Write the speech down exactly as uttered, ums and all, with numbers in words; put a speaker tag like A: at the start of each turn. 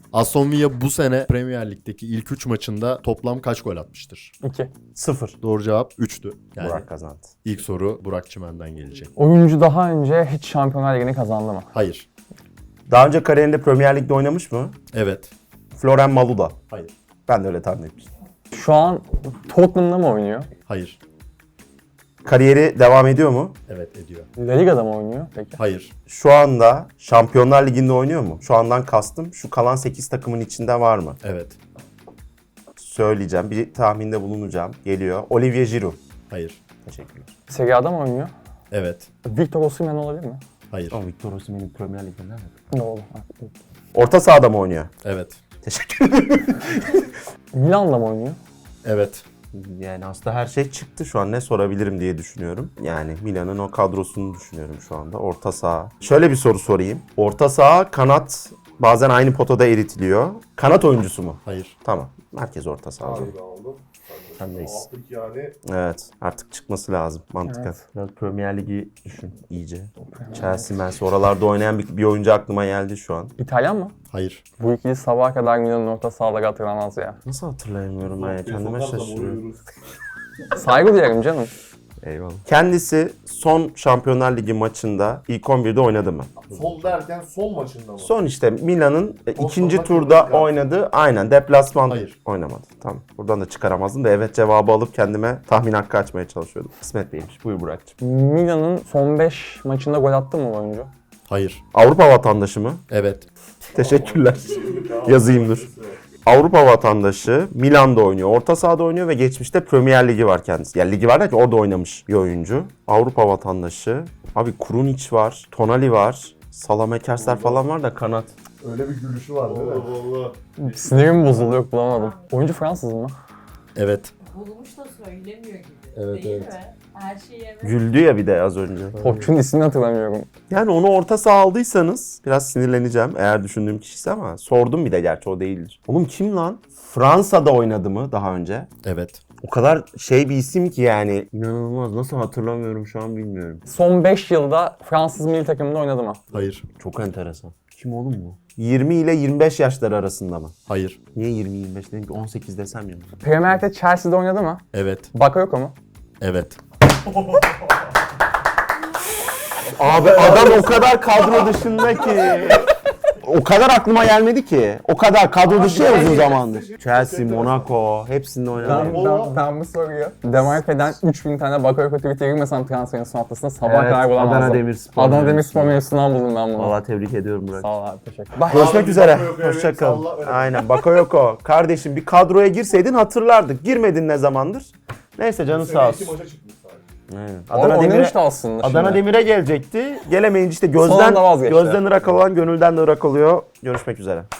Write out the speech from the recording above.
A: Aston Villa bu sene Premier Lig'deki ilk üç maçında toplam kaç gol atmıştır?
B: iki.
C: Sıfır.
A: Doğru cevap üçtü. Yani
C: Burak kazandı.
A: ilk soru Burak Çimen'den gelecek.
B: Oyuncu daha önce hiç Şampiyonlar Ligi'ni kazandı mı?
A: Hayır.
C: Daha önce kariyerinde Premier Lig'de oynamış mı?
A: Evet.
C: Florian Malouda.
A: Hayır.
C: Ben de öyle tahmin etmiştim.
B: Şu an Tottenham'da mı oynuyor?
A: Hayır.
C: Kariyeri devam ediyor mu?
A: Evet ediyor.
B: La Liga'da mı oynuyor peki?
A: Hayır.
C: Şu anda Şampiyonlar Ligi'nde oynuyor mu? Şu andan kastım şu kalan sekiz takımın içinde var mı?
A: Evet.
C: Söyleyeceğim. Bir tahminde bulunacağım. Geliyor. Olivier Giroud.
A: Hayır.
C: Teşekkürler.
B: Serie A'da mı oynuyor?
A: Evet.
B: Victor Osimhen olabilir mi?
A: Hayır.
C: Ama Victor Osimhen'in Premier Lig'de nerede?
B: Doğru.
C: Orta sahada mı oynuyor?
A: Evet.
C: Teşekkür ederim.
B: Milan'da mı oynuyor?
A: Evet.
C: Yani aslında her şey çıktı şu an. Ne sorabilirim diye düşünüyorum. Yani Milan'ın o kadrosunu düşünüyorum şu anda. Orta saha. Şöyle bir soru sorayım. Orta saha, kanat bazen aynı potada eritiliyor. Kanat oyuncusu mu?
A: Hayır.
C: Tamam. Merkez orta saha.
D: Abi de aldım.
C: Sendeyiz.
D: Aldık yani.
C: Evet. Artık çıkması lazım mantıken.
B: Evet.
C: Biraz Premier Ligi düşün iyice. Chelsea, Mersi oralarda oynayan bir, bir oyuncu aklıma geldi şu an.
B: İtalyan mı?
A: Hayır.
B: Bu ikili sabaha kadar Milan'ın orta sahaları hatırlamaz ya.
C: Nasıl hatırlayamıyorum ben ya? Kendime
D: Sokarsam
C: şaşırıyorum.
D: uyuyoruz.
B: Saygı duyarım canım.
C: Eyvallah. Kendisi son Şampiyonlar Ligi maçında ilk on birde oynadı mı?
D: Son derken son maçında mı?
C: Son işte Milan'ın e,
D: Son
C: ikinci
D: sonuna
C: turda
D: kırmızı kart.
C: oynadı. Aynen deplasman
A: Hayır.
C: oynamadı. Tamam. Buradan da çıkaramazdım da evet cevabı alıp kendime tahmin hakkı açmaya çalışıyordum. Kısmet değilmiş. Buyur Burak'cığım.
B: Milan'ın son beş maçında gol attı mı bu oyuncu?
A: Hayır.
C: Avrupa vatandaşı mı?
A: Evet.
C: Teşekkürler. Yazayım dur. Avrupa vatandaşı, Milan'da oynuyor, orta sahada oynuyor ve geçmişte Premier Ligi var kendisi. Yani ligi var da ki orada oynamış bir oyuncu. Avrupa vatandaşı. Abi Krunic var, Tonali var, Salamekersler falan var da kanat.
D: Öyle bir gülüşü var değil mi? Allah Allah.
B: Sinirim bozuldu, yok bulamadım. Oyuncu Fransız mı?
A: Evet.
E: Bulmuş da söylemiyor gibi.
A: Evet,
E: Değil
A: evet.
E: mi? Her şeyi evet.
C: Güldü ya bir de az önce.
B: Topçunun ismini hatırlamıyorum.
C: Yani onu orta saha aldıysanız biraz sinirleneceğim eğer düşündüğüm kişiyse ama sordum bir de gerçi o değildir. Oğlum kim lan? Fransa'da oynadı mı daha önce?
A: Evet.
C: O kadar şey bir isim ki yani. İnanılmaz. Nasıl hatırlamıyorum şu an bilmiyorum.
B: Son beş yılda Fransız milli takımında oynadı mı?
A: Hayır.
C: Çok enteresan. Kim oğlum bu? yirmi ile yirmi beş yaşları arasında mı?
A: Hayır.
C: Niye yirmi yirmi beş dedim ki on sekiz desem ya.
B: Premier Lig'de Chelsea'de oynadı mı?
A: Evet.
B: Bakayoko mu?
A: Evet.
C: Abi adam o kadar kadro dışında ki. O kadar aklıma gelmedi ki. O kadar kadro dışı ya uzun zamandır. Chelsea, Monaco hepsinde oynadı.
B: Ben, ben, ben bu soruyu Demarke'den üç bin tane Bakayoko tweet'e girmesem transferin son haftasında sabah
C: Evet,
B: kadar bulamazdım.
C: Adana Demirspor
B: Adana
C: mevzusu.
B: Demirspor mevzusundan buldum ben bunu.
C: Valla tebrik ediyorum Burak.
B: Sağ ol abi, teşekkür ederim.
C: Görüşmek
D: Abi,
C: üzere.
D: Bakayoko, evet,
C: Hoşçakalın.
D: salla, öyle.
C: Aynen. Bakayoko. Kardeşim bir kadroya girseydin hatırlardık. Girmedin ne zamandır? Neyse canı
D: Sene
C: sağ
D: iki
C: olsun.
D: maça çıkmış sadece.
C: Aynen.
B: Adana
C: Adana Demir'e
B: oynamıştı aslında
C: Adana
B: şimdi.
C: Demir'e gelecekti. Gelemeyince işte
B: Son
C: gözden
B: anda vazgeçti.
C: gözden Irak olan gönülden de Irak oluyor. Görüşmek üzere.